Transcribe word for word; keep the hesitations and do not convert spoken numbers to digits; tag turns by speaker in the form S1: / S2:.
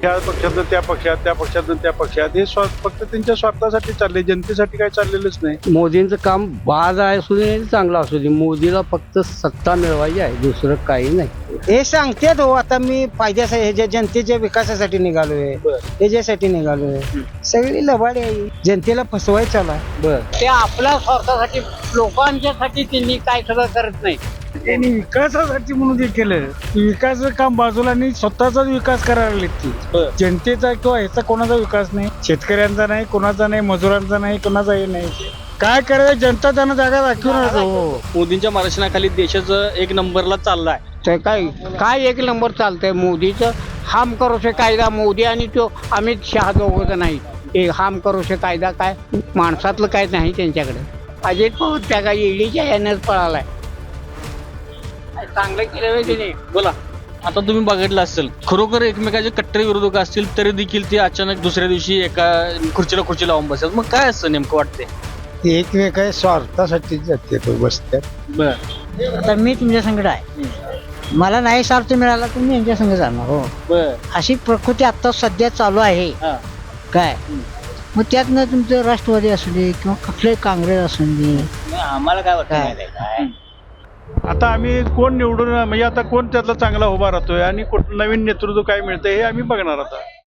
S1: त्या पक्षातून त्या पक्षात त्या पक्षातून त्या पक्षात हे स्वा- फक्त त्यांच्या स्वार्थासाठी चालले, जनतेसाठी काय चाललेलंच नाही.
S2: मोदींचं काम बाज आहे असू दे चांगलं असू दे, मोदीला फक्त सत्ता मिळवायची आहे, दुसरं काही नाही.
S3: हे सांगतेत हो, आता मी फायद्यासाठी ह्याच्या जनतेच्या विकासासाठी निघालोय, ह्याच्यासाठी निघालोय. सगळी लबाडी आहे, जनतेला फसवायचं चालू आहे.
S2: बर ते आपल्या स्वार्थासाठी लोकांच्यासाठी त्यांनी काय सगळं करत नाही.
S1: त्यांनी विकासासाठी म्हणून ते केलं. विकासाचं काम बाजूला आणि स्वतःचाच विकास करायला लागले ती. जनतेचा किंवा ह्याचा कोणाचा विकास नाही, शेतकऱ्यांचा नाही, कोणाचा नाही, मजुरांचा नाही, कोणाचाही नाही. काय करायचं, जनता त्यांना जागा दाखवून राहतो.
S4: मोदींच्या मार्गदर्शनाखाली देशाचं एक नंबरला चाललाय.
S2: ते काय काय एक नंबर चालतंय मोदीचं. हाम करोशे कायदा मोदी आणि तो अमित शहा दोघं नाही. एक हाम करोशे कायदा काय माणसातलं काय नाही त्यांच्याकडे. अजित पवार त्या काय ईडीच्या यानेच पळालाय. चांगलं केलं त्याने.
S4: बोला, आता तुम्ही बघितलं असेल, खरोखर एकमेकाचे कट्टर विरोधक असतील तरी देखील ते अचानक दुसऱ्या दिवशी एका खुर्चीला खुर्ची लावून बसतात. मग काय असं नेमकं वाटते?
S3: एकमेका स्वार्थासाठी जाते बसत्यात.
S4: बर
S3: आता मी तुमच्या संकट आहे, मला नाही स्वार्थ मिळाला तर मी यांच्या संग जाणार. हो,
S4: बर
S3: अशी प्रकृती आता सध्या चालू आहे.
S4: हा
S3: काय मग त्यातनं तुमचं राष्ट्रवादी असू दे किंवा कुठले काँग्रेस असू दे,
S4: आम्हाला काय वाटतं
S3: काय?
S4: माहिती आहे काय?
S1: आता आम्ही कोण निवडून म्हणजे आता कोण त्यातला चांगला उभा राहतोय आणि कुठ- नवीन नेतृत्व काय मिळतंय हे आम्ही बघणार आता.